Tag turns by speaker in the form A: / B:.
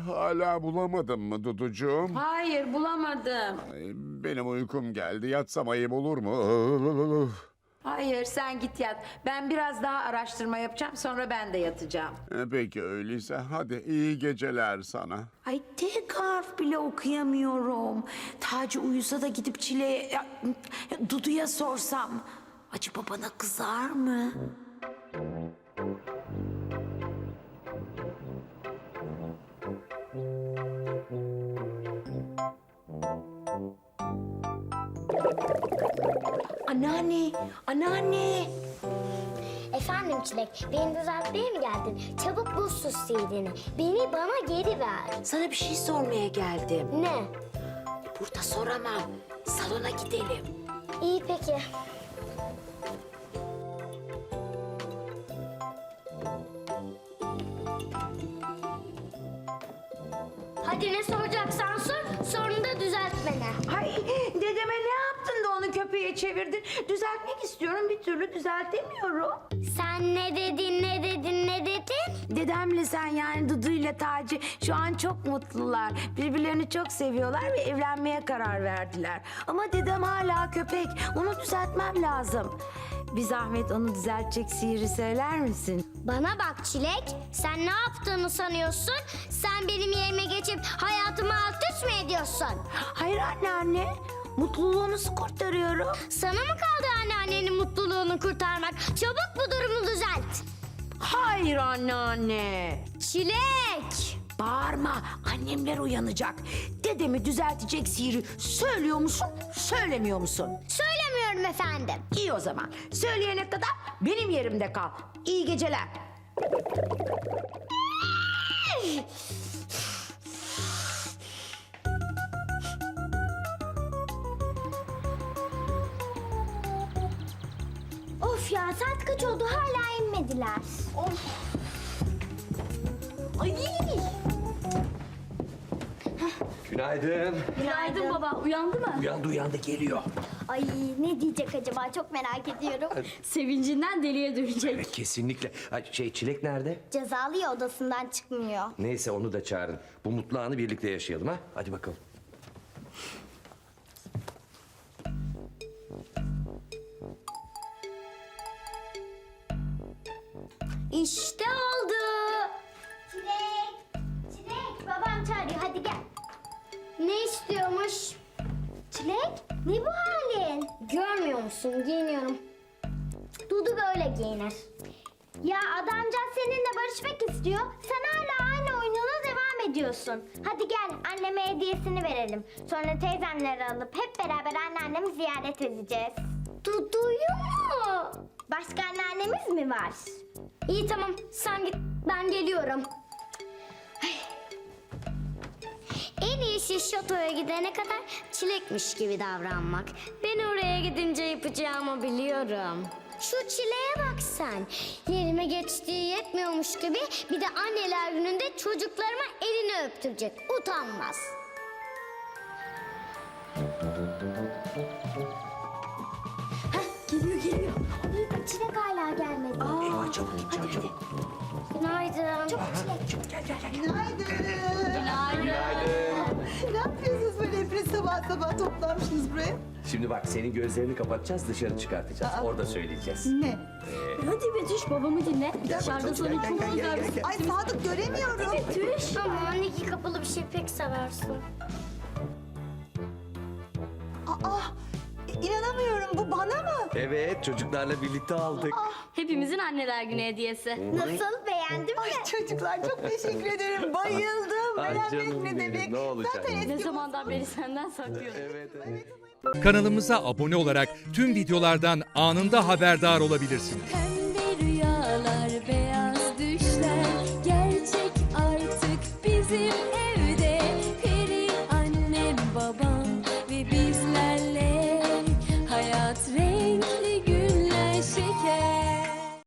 A: Hala bulamadın mı Duducuğum?
B: Hayır, bulamadım.
A: Ay, benim uykum geldi. Yatsam ayıp olur mu?
B: Hayır, sen git yat. Ben biraz daha araştırma yapacağım, sonra ben de yatacağım.
A: Peki öyleyse hadi iyi geceler sana.
C: Ay tek harf bile okuyamıyorum. Taci uyusa da gidip Dudu'ya sorsam. Acaba bana kızar mı? Anneanne, anneanne.
D: Efendim Çilek, beni düzeltmeye mi geldin? Çabuk bul sus CD'ni. Bana geri ver.
C: Sana bir şey sormaya geldim.
D: Ne?
C: Burada soramam. Salona gidelim.
D: İyi peki. Hadi ne soracaksan sor, sonra da düzelt beni.
C: Ay dedeme ne yaptın da onu köpeğe çevirdin? Düzeltmek istiyorum, bir türlü düzeltemiyorum.
D: Sen ne dedin, ne dedin, ne dedin?
C: Dedemle sen yani Dudu ile Taci şu an çok mutlular. Birbirlerini çok seviyorlar ve evlenmeye karar verdiler. Ama dedem hala köpek. Onu düzeltmem lazım. Bir zahmet onu düzeltecek sihiri söyler misin?
D: Bana bak Çilek, sen ne yaptığını sanıyorsun? Sen benim yerime geçip hayatımı alt üst mü ediyorsun?
C: Hayır anneanne. Mutluluğunu kurtarıyorum.
D: Sana mı kaldı anneannenin mutluluğunu kurtarmak? Çabuk bu durumu düzelt.
C: Hayır anneanne.
D: Çilek!
C: Bağırma. Annemler uyanacak. Dedemi düzeltecek sihiri söylüyor musun, söylemiyor musun?
D: Söylemiyorum efendim.
C: İyi o zaman. Söyleyene kadar benim yerimde kal. İyi geceler.
D: Of ya saat kaç oldu hala inmediler. Of. Ay.
E: Günaydın.
D: Günaydın baba. Uyandı mı?
E: Uyandı geliyor.
D: Ay ne diyecek acaba çok merak ediyorum.
F: Sevincinden deliye dönecek.
E: Evet kesinlikle. Ay, Çilek nerede?
D: Cezalı ya odasından çıkmıyor.
E: Neyse onu da çağırın. Bu mutlu anı birlikte yaşayalım ha. Hadi bakalım.
D: İşte oldu. Çilek. Çilek babam çağırıyor hadi gel. Ne istiyormuş? Çilek ne bu halin? Görmüyor musun giyiniyorum. Dudu böyle giyinir. Ya adamcağız seninle barışmak istiyor. Sen hala aynı oyununa devam ediyorsun. Hadi gel anneme hediyesini verelim. Sonra teyzemleri alıp hep beraber anneannemi ziyaret edeceğiz. Dudu'yu mu? Başka anneannemiz mi var? İyi tamam sen git ben geliyorum. En iyisi şatoya gidene kadar çilekmiş gibi davranmak. Ben oraya gidince yapacağımı biliyorum. Şu çileğe bak sen. Yerime geçtiği yetmiyormuş gibi bir de anneler gününde çocuklarıma elini öptürecek. Utanmaz.
C: Geliyor.
D: Çilek hala gelmedi.
E: Eyvah çabuk git çabuk.
D: Günaydın. Çabuk çilek.
G: Ne yapıyorsunuz böyle hepiniz sabah sabah toplanmışsınız buraya?
E: Şimdi bak senin gözlerini kapatacağız dışarı çıkartacağız. Orada söyleyeceğiz.
G: Ne?
F: Hadi Betüş babamı dinle. Dışarıda sana çok güzel bir
G: Ay Sadık göremiyorum.
D: Ama iki kapılı bir şey pek seversin.
G: Aa, inanamıyorum bu bana mı?
E: Evet çocuklarla birlikte aldık.
F: Hepimizin anneler günü hediyesi.
D: Nasıl beğendin mi?
G: Ay çocuklar çok teşekkür ederim. Bayıldım.
E: Ay
G: Beğenmek
E: canım
G: ne
E: benim,
G: demek?
E: ne olacak?
G: Zaten eski
F: Ne zamandan beri senden saklıyordum.
E: Evet.
H: Kanalımıza abone olarak tüm videolardan anında haberdar olabilirsiniz.
I: Pembe rüyalar, beyaz düşler gerçek artık bizim